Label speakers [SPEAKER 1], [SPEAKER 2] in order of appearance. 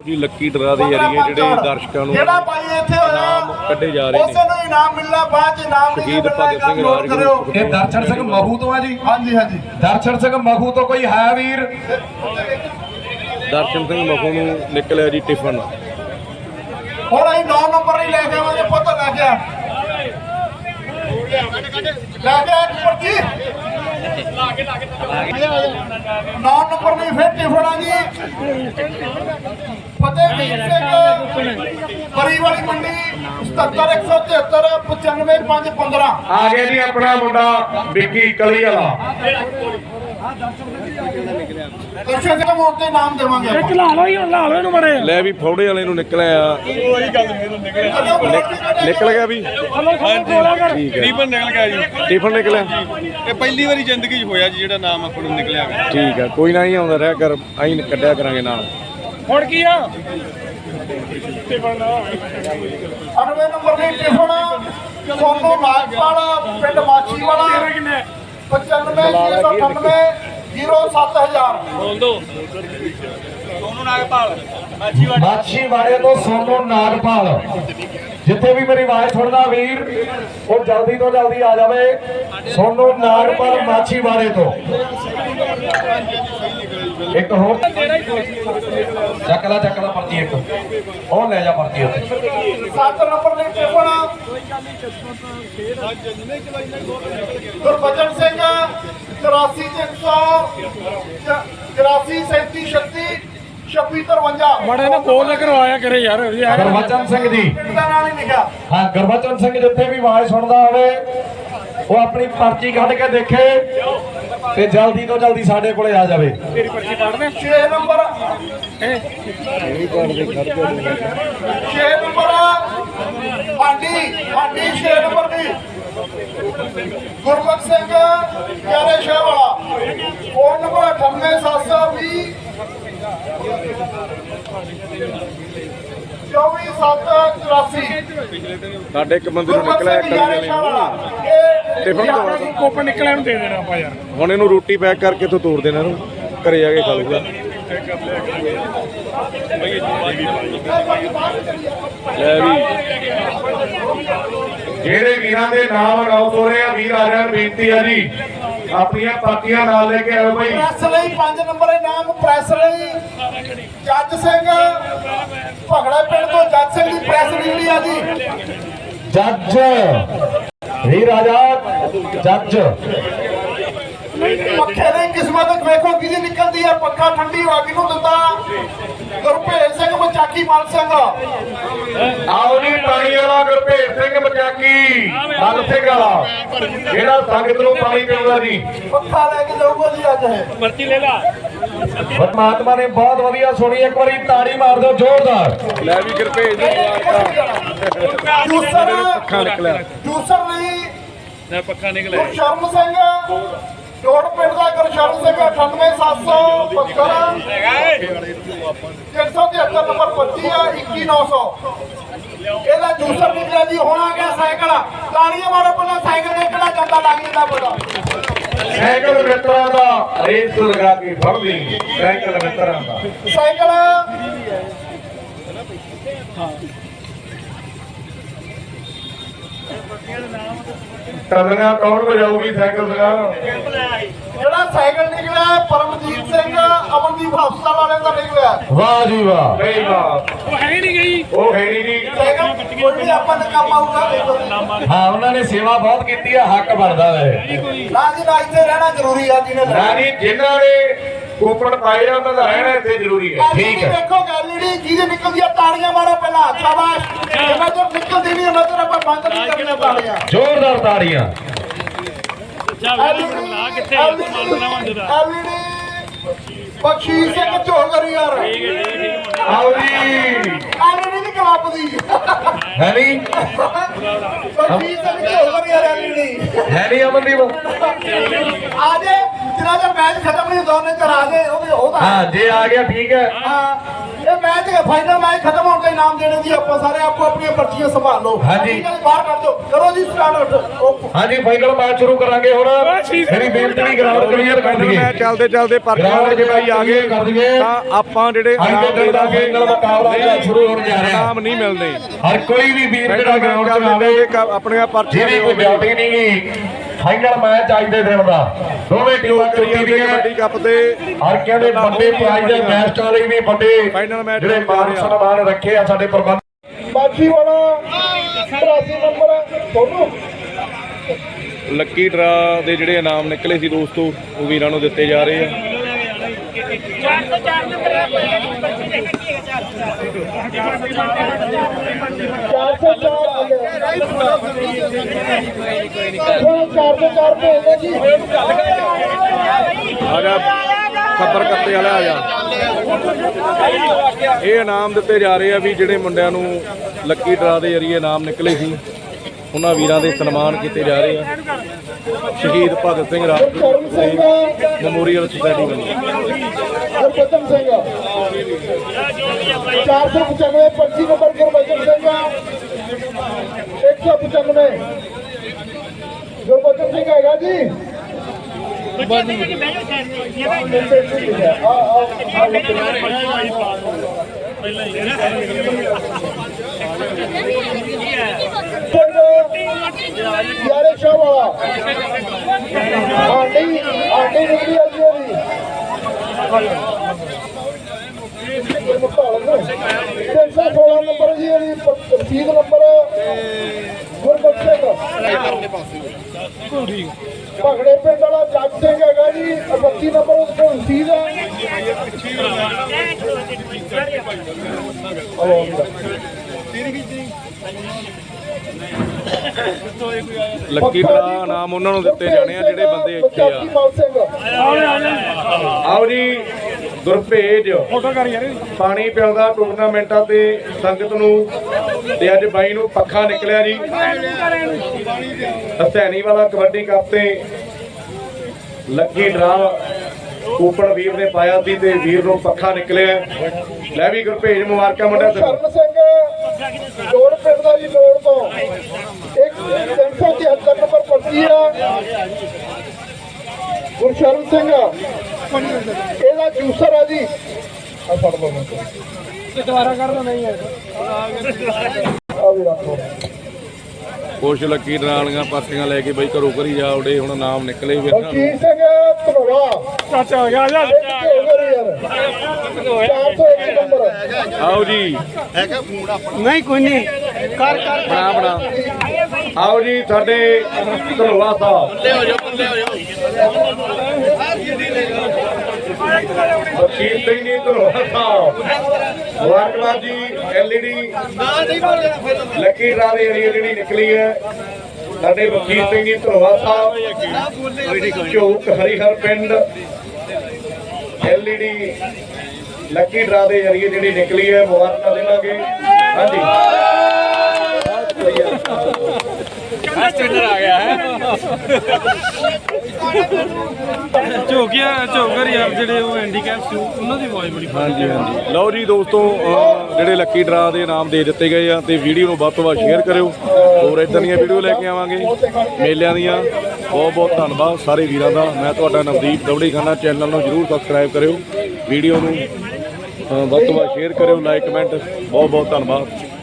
[SPEAKER 1] ਜੀ lucky draw ਦੇ ਜਰੀਏ ਜਿਹੜੇ ਦਰਸ਼ਕਾਂ ਨੂੰ
[SPEAKER 2] ਜਿਹੜਾ ਭਾਈ ਇੱਥੇ
[SPEAKER 1] ਇਨਾਮ ਕੱਢੇ ਜਾ ਰਹੇ ਨੇ।
[SPEAKER 2] ਉਸੇ ਨੂੰ ਇਨਾਮ ਮਿਲਣਾ, ਬਾਅਦ ਚ ਇਨਾਮ ਨਹੀਂ
[SPEAKER 1] ਸ਼ਹੀਦ
[SPEAKER 2] ਮਿਲਣਾ।
[SPEAKER 1] ਭਗਤ ਸਿੰਘ ਰਾਜਗੁਰੂ
[SPEAKER 3] ਇਹ ਦਰਸ਼ਨ ਸਿੰਘ ਮਖੂ ਤੋਂ ਆ ਜੀ।
[SPEAKER 2] ਹਾਂਜੀ ਹਾਂਜੀ,
[SPEAKER 3] ਦਰਸ਼ਨ ਸਿੰਘ ਮਖੂ ਤੋਂ ਕੋਈ ਹੈ ਵੀਰ?
[SPEAKER 1] ਦਰਸ਼ਨ ਸਿੰਘ ਮਖੂ ਨੂੰ ਨਿਕਲਿਆ ਜੀ ਟਿਫਨ।
[SPEAKER 2] ਹੁਣ ਅਸੀਂ 9 ਨੰਬਰ ਨਹੀਂ ਲੈ ਕੇ ਆਵਾਂਗੇ ਪੁੱਤ, ਲੈ ਕੇ ਆ ਪਰਚੀ 9 ਨੰਬਰ ਨਹੀਂ ਫਿਰ ਟਿਫਣਾ ਜੀ। ਫਤਿਹਵੀਰ ਸਿੰਘ ਬਰੀ ਵਾਲੀ ਮੰਡੀ 77 173 95 515
[SPEAKER 3] ਆ ਗਿਆ ਜੀ ਆਪਣਾ ਮੁੰਡਾ ਵਿੱਕੀ ਕਲੀ ਵਾਲਾ।
[SPEAKER 2] ਦਰਸ਼ਨ ਸਿੰਘ ਮੋੜ ਤੇ ਨਾਮ ਦੇਵਾਂਗੇ ਆਪਾਂ।
[SPEAKER 4] ਲਾ ਲਓ ਇਹਨੂੰ ਮੜੇ
[SPEAKER 1] ਲੈ ਵੀ ਫੌੜੇ ਵਾਲੇ ਨੂੰ ਨਿਕਲਿਆ ਨਿਕਲ ਗਿਆ ਵੀ ਠੀਕ ਹੈ।
[SPEAKER 5] ਟਿਫਨ ਨਿਕਲ ਗਿਆ ਜੀ।
[SPEAKER 1] ਟਿਫਨ ਨਿਕਲਿਆ
[SPEAKER 5] ਇਹ ਪਹਿਲੀ ਵਾਰੀ ਜ਼ਿੰਦਗੀ 'ਚ ਹੋਇਆ ਜੀ ਜਿਹੜਾ ਨਾਮ ਆਪਾਂ ਨੂੰ ਨਿਕਲਿਆ ਗਾ।
[SPEAKER 1] ਠੀਕ ਹੈ, ਕੋਈ ਨਾ ਹੀ ਆਉਂਦਾ ਰਿਹਾ ਕਰ, ਅਸੀਂ ਕੱਢਿਆ ਕਰਾਂਗੇ ਨਾਲ।
[SPEAKER 4] ਹੁਣ ਕੀ ਆ
[SPEAKER 2] 98 ਨੰਬਰ ਦੀ ਟਿਫਨ ਸੋਨੂ ਨਾਗਪਾਲ ਪਿੰਡ ਮਾਛੀਵਾਲਾ 95 07000
[SPEAKER 5] ਬੋਲ ਦੋ ਸੋਨੂ ਨਾਗਪਾਲ
[SPEAKER 3] ਮਾਛੀਵਾੜੇ ਤੋਂ ਸੋਨੂ ਨਾਗਪਾਲ। ਜਿੱਥੇ ਵੀ ਮੇਰੀ ਆਵਾਜ਼ ਸੁਣਦਾ ਵੀਰ ਉਹ ਜਲਦੀ ਤੋਂ ਜਲਦੀ ਆ ਜਾਵੇ। ਸੋਨੂ ਨਾਗਪਾਲ ਮਾਛੀਵਾੜੇ ਤੋਂ। ਇੱਕ ਹੋਰ ਚੱਕ ਲਾ ਪਰਚੀ ਇੱਕ ਉਹ ਲੈ ਜਾ ਪਰਚੀ ਉੱਤੇ।
[SPEAKER 2] 7 ਨੰਬਰ ਦੀ ਟਿਫਨ ਗੁਰਬਚਨ ਸਿੰਘ 84 3736 2653
[SPEAKER 4] ਮੜੇ ਨੇ ਬੋਲ ਕਰਵਾਇਆ ਕਰੇ ਯਾਰ।
[SPEAKER 3] ਗੁਰਬਚਨ ਸਿੰਘ ਜੀ,
[SPEAKER 2] ਦਾ ਨਾਮ ਹੀ ਲਿਖਿਆ।
[SPEAKER 3] ਹਾਂ ਗੁਰਬਚਨ ਸਿੰਘ ਜਿੱਥੇ ਵੀ ਆਵਾਜ਼ ਸੁਣਦਾ ਹੋਵੇ ਉਹ ਆਪਣੀ ਪਰਚੀ ਕੱਢ ਕੇ ਦੇਖੇ ਤੇ ਜਲਦੀ ਤੋਂ ਜਲਦੀ ਸਾਡੇ ਕੋਲੇ ਆ ਜਾਵੇ।
[SPEAKER 4] ਤੇਰੀ ਪਰਚੀ ਕੱਢ ਦੇ
[SPEAKER 2] 6 ਨੰਬਰ 6 ਨੰਬਰ ਹਾਂਡੀ 6 ਨੰਬਰ ਦੀ ਗੁਰਬਖਸ਼ ਸਿੰਘ ਪਿਆਰੇ ਸ਼ਾਹ ਵਾਲਾ। ਫੋਨ ਨੰਬਰ 98720 24
[SPEAKER 1] ਸਾਡੇ ਇੱਕ ਬੰਦੇ ਨੂੰ ਨਿਕਲਿਆ ਕਲੀ ਵਾਲੇ ਨੂੰ ਟਿਫਨ ਦਵਾ ਦਿਓ।
[SPEAKER 4] ਕੋਪਨ ਨਿਕਲਿਆ ਨੂੰ ਦੇ ਦੇਣਾ ਆਪਾਂ ਯਾਰ।
[SPEAKER 1] ਹੁਣ ਇਹਨੂੰ ਰੋਟੀ ਪੈਕ ਕਰਕੇ ਇੱਥੋਂ ਤੋੜ ਦੇਣਾ, ਇਹਨੂੰ ਘਰੇ ਜਾ ਕੇ ਖਾ ਲੂਗਾ। ਲੈ ਵੀ
[SPEAKER 3] ਜਿਹੜੇ ਵੀਰਾਂ ਦੇ ਨਾਮ ਅਨਾਉਂਸ ਹੋ ਰਹੇ ਆ ਵੀਰ ਆ ਜਾਣ, ਬੇਨਤੀ ਆ ਜੀ ਆਪਣੀਆਂ ਪਰਚੀਆਂ ਨਾਲ ਲੈ ਕੇ ਆਓ ਭਾਈ।
[SPEAKER 2] ਪ੍ਰੈਸ ਲਈ 5 ਨੰਬਰ ਇਨਾਮ ਪ੍ਰੈਸ ਲਈ ਜੱਜ ਸਿੰਘ ਭਗੜਾ ਪਿੰਡ ਤੋਂ ਜੱਜ ਸਿੰਘ ਦੀ ਪ੍ਰੈਸ ਨਿਕਲੀ ਆ ਜੀ।
[SPEAKER 3] ਜੱਜ ਵੀਰ ਆਜ਼ਾਦ ਜੱਜ।
[SPEAKER 2] ਪੱਖੇ ਦੀ ਕਿਸਮਤ ਵੇਖੋ ਕਿਹਦੀ ਨਿਕਲਦੀ ਆ। ਪੱਖਾ ਠੰਡੀ ਹਵਾ ਕਿਹਨੂੰ ਦਿੰਦਾ? ਗੁਰਭੇਜ ਸਿੰਘ ਮਚਾਕੀ ਮਲ ਸਿੰਘ।
[SPEAKER 3] ਆਓ ਜੀ ਪਾਣੀ ਵਾਲਾ ਗੁਰਭੇਜ ਸਿੰਘ ਮਚਾਕੀ ਮਲ ਸਿੰਘ ਵਾਲਾ ਜਿਹੜਾ ਸੰਗਤ ਨੂੰ ਪਾਣੀ ਪਿਆਉਂਦਾ ਜੀ।
[SPEAKER 2] ਪੱਖਾ ਲੈ ਕੇ ਜਾਊਗਾ ਜੀ ਅੱਜ ਇਹ।
[SPEAKER 4] ਪਰਚੀ ਲੈ ਲਾ।
[SPEAKER 3] ਪਰਮਾਤਮਾ ਨੇ ਬਹੁਤ ਵਧੀਆ ਸੁਣੀ, ਇੱਕ ਵਾਰੀ ਤਾੜੀ ਮਾਰ ਦਿਓ ਜ਼ੋਰਦਾਰ।
[SPEAKER 1] ਲੈ ਵੀ ਗੁਰਭੇਜ ਨੂੰ ਮੁਬਾਰਕਾਂ।
[SPEAKER 2] ਜੂਸਰ
[SPEAKER 1] ਪੱਖਾ ਨਿਕਲਿਆ।
[SPEAKER 2] ਜੂਸਰ ਲਈ
[SPEAKER 5] ਨਾ ਪੱਕਾ ਨਿਕਲਿਆ।
[SPEAKER 2] ਗੁਰਸ਼ਰਨ ਸਿੰਘ ਜੋੜ ਪਿੰਡ ਦਾ ਗੁਰਸ਼ਰਨ ਸਿੰਘ 98772 373 ਨੰਬਰ 25 ਆ 21900 ਇਹਦਾ ਜੂਸਰ ਨਿਕਲਿਆ ਜੀ। ਹੁਣ ਆ ਗਿਆ ਸਾਈਕਲ। ਤਾੜੀਆਂ ਮਾਰੋ ਪਹਿਲਾਂ ਸਾਈਕਲ ਦੇ ਕਿਹੜਾ ਜਾਂਦਾ ਲੱਗ ਜਾਂਦਾ ਪਤਾ।
[SPEAKER 3] ਸਾਈਕਲ ਮਿੱਤਰਾਂ ਦਾ ਰੇਸ ਲਗਾ ਕੇ ਫੜ ਲਈ। ਸਾਈਕਲ ਮਿੱਤਰਾਂ ਦਾ
[SPEAKER 2] ਸਾਈਕਲ
[SPEAKER 3] ਟੱਲੀਆਂ ਕੌਣ ਵਜਾਊਗੀ ਸਾਈਕਲ ਦਾ?
[SPEAKER 2] ਜਿਹੜਾ ਸਾਈਕਲ ਨਿਕਲਿਆ ਪਰਮਜੀਤ ਸਿੰਘ ਅਮਨਦੀਪ ਹਸਪਤਾਲ ਵਾਲੇ ਦਾ ਨਿਕਲਿਆ।
[SPEAKER 3] ਵਾਹ ਜੀ ਵਾਹ। ਨਹੀਂ ਵਾਹ
[SPEAKER 4] ਉਹ ਹੈ ਨਹੀਂ ਗਈ।
[SPEAKER 3] ਉਹ ਹੈ ਨਹੀਂ ਜੀ।
[SPEAKER 2] ਸਾਈਕਲ ਕੋਈ ਵੀ ਆਪਾਂ ਦਾ ਕੰਮ ਆਊਗਾ।
[SPEAKER 3] ਹਾਂ ਉਹਨਾਂ ਨੇ ਸੇਵਾ ਬਹੁਤ ਕੀਤੀ ਆ, ਹੱਕ ਬਣਦਾ ਹੈ।
[SPEAKER 2] ਨਾ ਜੀ ਨਾ ਇੱਥੇ ਰਹਿਣਾ ਜ਼ਰੂਰੀ ਆ ਜਿਹਨੇ
[SPEAKER 3] ਨਾ ਜੀ ਜਿਨ੍ਹਾਂ ਨੇ ਕੂਪਨ ਪਾਏ ਆ ਉਹਨਾਂ ਦਾ ਰਹਿਣਾ ਇੱਥੇ ਜ਼ਰੂਰੀ ਹੈ। ਠੀਕ ਹੈ।
[SPEAKER 2] ਦੇਖੋ ਗੈਲਰੀ ਜਿਹਦੇ ਨਿਕਲਦੀ ਆ ਤਾੜੀਆਂ ਮਾਰੋ ਪਹਿਲਾਂ। ਸ਼ਾਬਾਸ਼। ਜਿਵੇਂ ਤੋਂ ਨਿਕਲਦੀ ਨਹੀਂ ਨਜ਼ਰ ਆਪਾਂ ਬੰਦ ਨਹੀਂ ਕਰਨੀਆਂ ਤਾੜੀਆਂ।
[SPEAKER 3] ਜ਼ੋਰਦਾਰ ਤਾੜੀਆਂ।
[SPEAKER 4] ਲਾ ਕਿੱਥੇ
[SPEAKER 2] ਐਲਈਡੀ ਬਖਸ਼ੀਸ਼ ਸਿੰਘ ਝੋਗਰੀ ਯਾਰ।
[SPEAKER 3] ਆਓ ਜੀ
[SPEAKER 2] ਐਲਈਡੀ ਦੀ ਕਲੱਬ ਦੀ
[SPEAKER 3] ਹੈ ਨਹੀਂ
[SPEAKER 2] ਬਖਸ਼ੀਸ਼ ਸਿੰਘ ਝੋਗਰੀ ਯਾਰ। ਐਲਈਡੀ
[SPEAKER 3] ਹੈ ਨਹੀਂ ਅਮਨਦੀਪ।
[SPEAKER 2] ਆ ਜੇ ਜਿਨ੍ਹਾਂ ਦਾ ਮੈਚ ਖਤਮ ਨਹੀਂ ਦੋਨੇ ਚਰ ਆ ਜੇ ਉਹਦਾ
[SPEAKER 3] ਹਾਂ ਜੇ ਆ ਗਿਆ ਠੀਕ ਹੈ।
[SPEAKER 2] ਹਾਂ ਇਹ ਮੈਚ ਫਾਈਨਲ ਮੈਚ ਖਤਮ ਹੋਣ ਤੇ ਇਨਾਮ ਦੇਣੇ ਜੀ ਆਪਾਂ ਸਾਰੇ ਆਪੋ ਆਪਣੀਆਂ ਪਰਚੀਆਂ ਸੰਭਾਲ ਲਓ
[SPEAKER 3] ਹਾਂਜੀ।
[SPEAKER 2] ਬਾਹਰ ਕਰ ਦਿਓ ਕਰੋ ਜੀ ਸਟਾਰਟ ਓਕੇ
[SPEAKER 3] ਹਾਂਜੀ ਫਾਈਨਲ ਮੈਚ ਸ਼ੁਰੂ ਕਰਾਂਗੇ ਹੁਣ ਮੇਰੀ ਬੇਨਤੀ ਵੀ ਗਰਾਊਂਡ ਕਲੀਅਰ ਕਰ ਦਈਏ
[SPEAKER 1] ਮੈਂ ਚੱਲਦੇ ਚੱਲਦੇ ਪਰਚੀਆਂ ਲੈ ਕੇ ਬਾਈ ਆ ਗਏ ਤਾਂ ਆਪਾਂ ਜਿਹੜੇ ਇਨਾਮ ਦੇ ਦਾਂਗੇ
[SPEAKER 3] ਫਾਈਨਲ ਮੁਕਾਬਲਾ ਸ਼ੁਰੂ ਹੋਣ ਜਾ ਰਿਹਾ
[SPEAKER 1] ਇਨਾਮ ਨਹੀਂ ਮਿਲਦੇ
[SPEAKER 3] ਹਰ ਕੋਈ ਵੀ ਵੀਰ ਜਿਹੜਾ ਗਰਾਊਂਡ 'ਚ ਆਵੇ
[SPEAKER 1] ਆਪਣੀਆਂ ਪਰਚੀਆਂ
[SPEAKER 3] ਜਿਹਦੀ ਕੋਈ ਡਿਊਟੀ ਨਹੀਂ ਗਈ ਫਾਈਨਲ ਮੈਚ ਅੱਜ ਦੇ ਦਿਨ ਦਾ ਦੋਵੇਂ ਟੀਮਾਂ ਕਰੀਏ
[SPEAKER 1] ਕਬੱਡੀ ਕੱਪ ਦੇ
[SPEAKER 3] ਹਰ ਕਹਿੰਦੇ ਵੱਡੇ ਪ੍ਰਾਈਜ਼ ਦੇ ਮੈਚ ਵਾਲੇ ਵੀ ਵੱਡੇ
[SPEAKER 1] ਫਾਈਨਲ ਮੈਚ
[SPEAKER 3] ਜਿਹੜੇ ਮਾਨ ਸਨਮਾਨ ਰੱਖੇ ਆ ਸਾਡੇ ਪ੍ਰਬੰਧ
[SPEAKER 2] ਬਾਕੀ ਵਾਲਾ 83 ਨੰਬਰ ਤੁਹਾਨੂੰ
[SPEAKER 1] ਲੱਕੀ ਡਰਾ ਦੇ ਜਿਹੜੇ ਇਨਾਮ ਨਿਕਲੇ ਸੀ ਦੋਸਤੋ ਉਹ ਵੀਰਾਂ ਨੂੰ ਦਿੱਤੇ ਜਾ ਰਹੇ ਆ
[SPEAKER 2] 404 ਭੇਜਦੇ ਜੀ
[SPEAKER 1] ਆ ਜਾ ਖੱਬਰ ਕੱਤੇ ਵਾਲਾ ਆ ਜਾ ਇਹ ਇਨਾਮ ਦਿੱਤੇ ਜਾ ਰਹੇ ਆ ਵੀ ਜਿਹੜੇ ਮੁੰਡਿਆਂ ਨੂੰ ਲੱਕੀ ਡਰਾ ਦੇ ਜਰੀਏ ਇਨਾਮ ਨਿਕਲੇ ਸੀ ਉਹਨਾਂ ਵੀਰਾਂ ਦੇ ਸਨਮਾਨ ਕੀਤੇ ਜਾ ਰਹੇ ਆ ਸ਼ਹੀਦ ਭਗਤ ਸਿੰਘ ਰਾਜਗੁਰੂ ਮੈਮੋਰੀਅਲ ਸੁਸਾਇਟੀ ਵੱਲੋਂ
[SPEAKER 2] ਗੁਰਬਚਨ ਸਿੰਘ 495 25 ਨੰਬਰ ਗੁਰਬਚਨ ਸਿੰਘ 195 ਗੁਰਬਚਨ ਸਿੰਘ ਹੈਗਾ ਜੀ ਯਾਰੇ ਸ਼ਾਹ ਵਾਲਾ ਆਂਡੀ ਨਿਕਲੀ ਆ ਜੀ ਉਹਦੀ 316 ਨੰਬਰ ਜੀ ਇਹਦੀ ਰਸੀਦ ਨੰਬਰ ਗੁਰਬਖਸ਼ ਸਿੰਘ ਭਗੜੇ ਪਿੰਡ ਵਾਲਾ ਜੱਜ ਸਿੰਘ ਹੈਗਾ ਜੀ 32 ਨੰਬਰ ਉਸ ਕੋਲ ਰਸੀਦ ਹੈ
[SPEAKER 1] ਲੱਕੀ ਡਰਾ ਨਾਮ ਉਹਨਾਂ ਨੂੰ ਦਿੱਤੇ ਜਾਣੇ ਆ ਜਿਹੜੇ ਬੰਦੇ ਇੱਥੇ ਆ ਆਓ ਜੀ ਗੁਰਭੇਜ
[SPEAKER 4] ਫੋਟੋ ਕਰ ਯਾਰ
[SPEAKER 1] ਪਾਣੀ ਪਿਆਉਂਦਾ ਟੂਰਨਾਮੈਂਟਾਂ ਤੇ ਸੰਗਤ ਨੂੰ ਤੇ ਅੱਜ ਬਾਈ ਨੂੰ ਪੱਖਾ ਨਿਕਲਿਆ ਜੀ ਹਸੈਣੀ ਵਾਲਾ ਕਬੱਡੀ ਕੱਪ ਤੇ ਲੱਕੀ ਡਰਾ ਕੂਪਨ ਵੀਰ ਨੇ ਪਾਇਆ ਸੀ ਤੇ ਵੀਰ ਨੂੰ ਪੱਖਾ ਨਿਕਲਿਆ ਲੈ ਵੀ ਗੁਰਭੇਜ ਮੁਬਾਰਕਾਂ ਮੁੰਡਾ ਤੈਨੂੰ
[SPEAKER 2] ਸ਼ਰਨ ਸਿੰਘ ਲੋੜ ਪਿੰਡ ਦਾ ਜੀ ਲੋੜ ਤੋਂ 373 ਨੰਬਰ ਪਰਚੀ ਆ ਗੁਰਸ਼ਰਨ ਸਿੰਘ ਇਹਦਾ ਜੂਸਰ ਆ ਜੀ ਆ ਫੜ ਲਓ
[SPEAKER 4] ਤੇ ਦੁਬਾਰਾ ਕਰਨਾ ਨਹੀਂ ਹੈ
[SPEAKER 2] ਆ ਵੀ ਰੱਖੋ
[SPEAKER 1] ਕੁਛ ਲੱਕੀ ਡਰਾ ਵਾਲੀਆਂ ਪਰਚੀਆਂ ਲੈ ਕੇ ਬਈ ਘਰੋਂ ਘਰੀ ਜਾ ਉਡੇ ਹੁਣ ਨਾਮ ਨਿਕਲੇ ਵੀਰ ਨੂੰ
[SPEAKER 2] ਬਲਜੀਤ ਸਿੰਘ ਧਨੋਰਾ
[SPEAKER 4] ਚਾਚਾ ਹੋ ਗਿਆ ਆ ਜਾ
[SPEAKER 2] ਯਾਰ 401 ਨੰਬਰ
[SPEAKER 1] ਆਓ ਜੀ
[SPEAKER 4] ਨਹੀਂ ਕੋਈ ਨਹੀਂ ਕਰ
[SPEAKER 1] ਬਣਾ ਆਓ ਜੀ ਸਾਡੇ ਧਨੋਆ ਸਾਹਿਬ ਵਕੀਲ ਸਿੰਘ ਜੀ ਧਨੋਆ ਸਾਹਿਬ ਮੁਬਾਰਕਬਾਦ ਜੀ LED ਲੱਕੀ ਡਰਾ ਦੀ ਜਿਹੜੀ ਨਿਕਲੀ ਹੈ ਸਾਡੇ ਵਕੀਲ ਸਿੰਘ ਜੀ ਧਨੋਆ ਸਾਹਿਬ ਝੋਕ ਹਰੀਹਰ ਪਿੰਡ LED ਲੱਕੀ ਡਰਾ ਦੇ ਜਰੀਏ ਜਿਹੜੀ ਨਿਕਲੀ ਹੈ ਮੁਬਾਰਕਾਂ ਦੇਵਾਂਗੇ ਹਾਂਜੀ
[SPEAKER 4] ਆ ਗਿਆ ਹੈ ਝੋਕਰ ਯਾਰ ਜਿਹੜੇ ਉਹ ਹੈਂਡੀਕੈਪ ਸੀ ਉਹਨਾਂ ਦੀ ਆਵਾਜ਼ ਬੜੀ
[SPEAKER 1] ਹਾਂਜੀ ਹਾਂਜੀ ਲਓ ਜੀ ਦੋਸਤੋ ਜਿਹੜੇ ਲੱਕੀ ਡਰਾ ਦੇ ਨਾਮ ਦੇ ਦਿੱਤੇ ਗਏ ਆ ਤੇ ਵੀਡੀਓ ਨੂੰ ਵੱਧ ਤੋਂ ਵੱਧ ਸ਼ੇਅਰ ਕਰਿਓ ਹੋਰ ਇਦਾਂ ਦੀਆਂ ਵੀਡੀਓ ਲੈ ਕੇ ਆਵਾਂਗੇ ਮੇਲਿਆਂ ਦੀਆਂ ਬਹੁਤ ਬਹੁਤ ਧੰਨਵਾਦ ਸਾਰੇ ਵੀਰਾਂ ਦਾ ਮੈਂ ਤੁਹਾਡਾ ਨਵਦੀਪ ਦਵੜੀ ਖਾਨਾ ਚੈਨਲ ਨੂੰ ਜਰੂਰ ਸਬਸਕ੍ਰਾਈਬ ਕਰਿਓ ਵੀਡੀਓ ਨੂੰ ਵੱਧ ਤੋਂ ਵੱਧ ਸ਼ੇਅਰ ਕਰਿਓ ਲਾਈਕ ਕਮੈਂਟ ਬਹੁਤ ਬਹੁਤ ਧੰਨਵਾਦ